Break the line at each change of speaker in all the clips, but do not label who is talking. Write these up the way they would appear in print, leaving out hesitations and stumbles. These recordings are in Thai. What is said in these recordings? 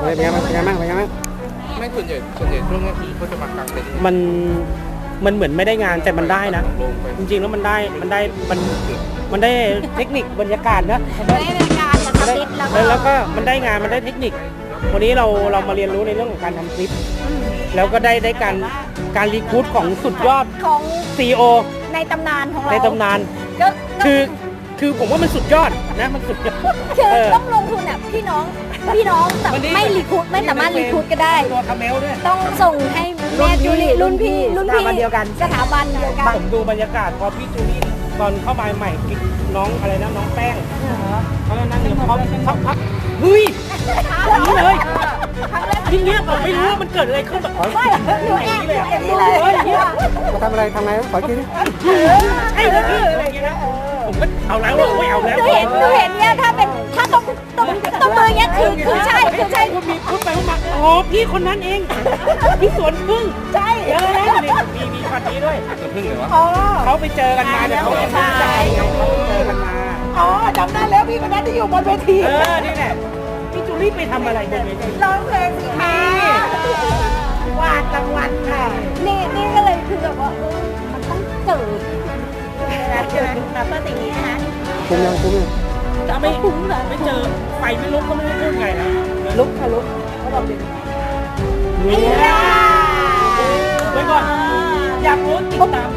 เป็นไงบ้าง
ไม่ส่วนใหญ่ช่วงนี้คือเขาจะมากางเต็นท์
มันเหมือนไม่ได้งานแต่มันได้นะ
ลงไป
จริงๆแล้วมันได้เทคนิคบรรยากาศนะ
ได้รายการมาทำคลิป
แล้วก็มันได้งานมันได้เทคนิควันนี้เรามาเรียนรู้ในเรื่องของการทำคลิปแล้วก็ได้การรีคูดของสุดยอด
ของ
CEO
ในตำนานของเรา
ในตำนาน
ก็
คือผมว่ามันสุดยอดนะมันสุดยอด
คือต้องลงทุนอ่ะพี่น้องแต่ไม่รีคูดไม่สามารถรีคูดก็ได้
ตัวคาเมลด้วย
ต้องส่งให้แม่จูลี่รุ่นพี่สถาบันเดียวกัน
ผมดูบรรยากาศพอพี่จูลี่ตอนเข้ามาใหม่กินน้องอะไรนะน้องแป้งเขานั่งอยู่พร้อมสักพักเฮ้ยนี่เลยทีเนี้ยผมไม่รู้ว่ามันเกิดอะไรขึ้นแบบ
ไม่หนูแอบดูเลย
ทำอะไรขอกิน
ใช่เลยพี่อะไรอย่างเงี้ยนะผมก็เอาแล้วไม่เอาแล้ว
หนูเห็นเนี่ยถ้าตรงมือเนี้ยคือใช่
ก็มีพูดไปพูดมาอ๋อพี่คนนั้นเองพี่สวนพึ่ง
ใช่
มีช็อตนี้ด้วย
จะพึ่งเหรอวะ
อ๋อ
เขาไปเจอกันมาเนี่ยเขาไปเจอกันมา
อ๋อจำได้แล้วพี่คนนั้นที่อยู่บนเวที
นี่แหละพี่จูลี่ไปทำอะไรบนเวที
ร้องเพลงสิคะวาดรางวัลค่ะนี่ก็เลยคือแบบว่ามันต้องเกิดใช่ไหมแบบเพื่อสิ่งนี้นะคะ
คุ้มยัง
จะไม่คุ้มเลยไม่เจอไฟไม่ลุกก็ไม่รู้พูดไงนะ
ลุกเขาบอกเป็น
นี่ไว้ก่อนอยากรู้ติดตาม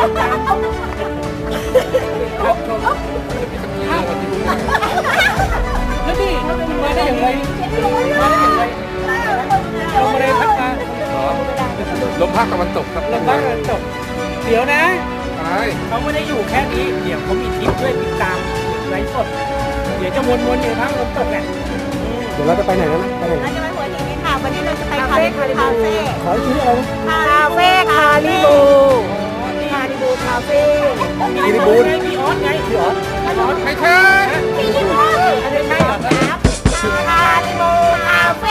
ครับชมจะมีสักทีนะวันที่รู้
แล้วนี่มาได้อย่างไรลงมาเลยพัดมา
ลมภาคตะวันตกครับ
ลงมาจบเดี๋ยวนะ
อะไร
เขาไม่ได้อยู่แค่นี้เดี๋ยวเขามีทริปด้วยติดตามไลฟ์สดเดี๋ยวจะวนๆอยู่ทั้งลมตกแหละ
เดี๋ยวเราจะไปไหนนะไปไหน
เราจะไปหัวหินกันค่ะวันนี้เราจะไปคาริบู
ขออีกทีอะไรนะ
คาเฟ่คาริบูคาเฟ่
มีบูนมีออสไงพี่ออส
ไม่ใช่
พี่ลิบู
ไม่ใช่เหรอ
คาริบูคาเฟ่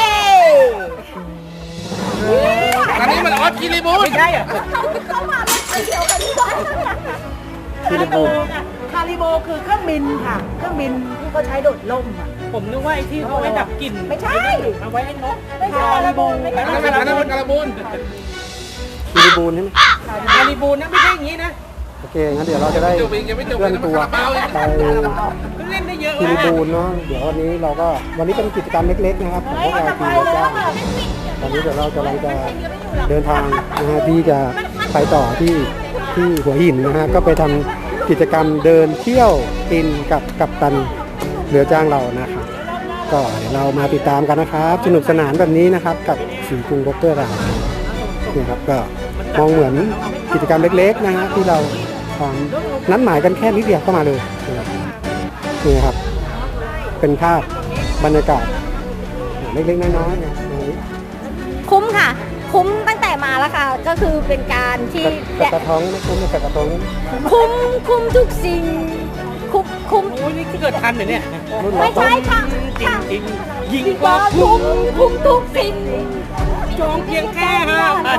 อันนี้มันออสคิริบูน
ไม่ใช่เหรอ
เข้ามาเป็นเดียวกันด้วย
ฟิลิปปินส์
คาริโบคือเครื่องบินค่ะ เครื่องบินที่เขาใช้โดดล่มอ่ะ
ผมนึกว่าไอ้ที่เขาไว้ดับกลิ่น
ไม่ใช่
เอาไว้ให้นก
ไม่ใช่คาริโบไม่
อั
ใช่
นนั้นมันการบูน
ฟิลิปปินส์ใช่ไหม
คาริบูนนะไม่ใช่อย่างนี้นะ
โอเคงั้นเดี๋ยวเราจะได้
จบอีกยังไม่จบ
เคลื่อนตัว
เปล่าอีก
ไป
เล่นได้เยอะ
ฟิลิป
นะ
ปินส์เนาะเดี๋ยววันนี้เป็นกิจกรรมเล็กๆนะครับของพวกเราทีมเจ้าตอนนี้เดี๋ยวเรากำลังจะเดินทางนะฮะที่จะไปต่อที่หัวหินนะฮะก็ไปทำกิจกรรมเดินเที่ยวกินกับกัปตันเรือจ้างเรานะครับก็เดี๋ยวเรามาติดตามกันนะครับสนุกสนานแบบนี้นะครับกับสีกรุงโบรกเกอร์เราเนี่ยครับก็มองเหมือนกิจกรรมเล็กๆนะฮะที่เรานัดหมายกันแค่นิดเดียวก็มาเลยนะครับนี่ครับเป็นภาพบรรยากาศเล็กๆน้อยๆนะตรงนี้
คุ้มค่ะ คุ้มตั้งแต่มาแล้วค่ะ ก็คือเป็นการที่
กระท้องไม่คุ้มกระท้อง
คุ้มทุกสิ่งคุ้ม
โอ้ยนี่เกิดทันเหรอเนี่ย
รุ่น
ไม่
เรา
ใช่ค่ะ
จริงจริงยิง
ดี
ก
ก
ว่า
ว่า
คุ้ม
คุ้มทุกสิ่ง
จองเพียงแค่5,000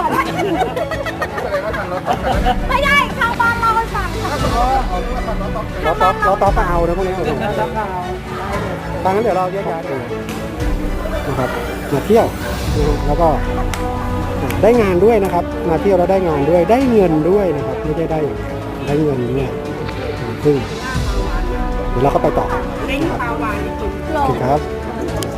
ไม่ได้ทางบ้านเราให้ฟังค่ะ
เราต่อเปล่านะพวกนี้ดังนั้นเดี๋ยวเราแยกย้ายกันนะครับมาเที่ยวนะฮะแล้วก็ได้งานด้วยนะครับมาเที่ยวแล้วได้งานด้วยได้เงินด้วยนะครับไม่ใช่ได้เงินด้วยซึ่งเดี๋ยวเราก็ไปต่อนะครับโอเคครับ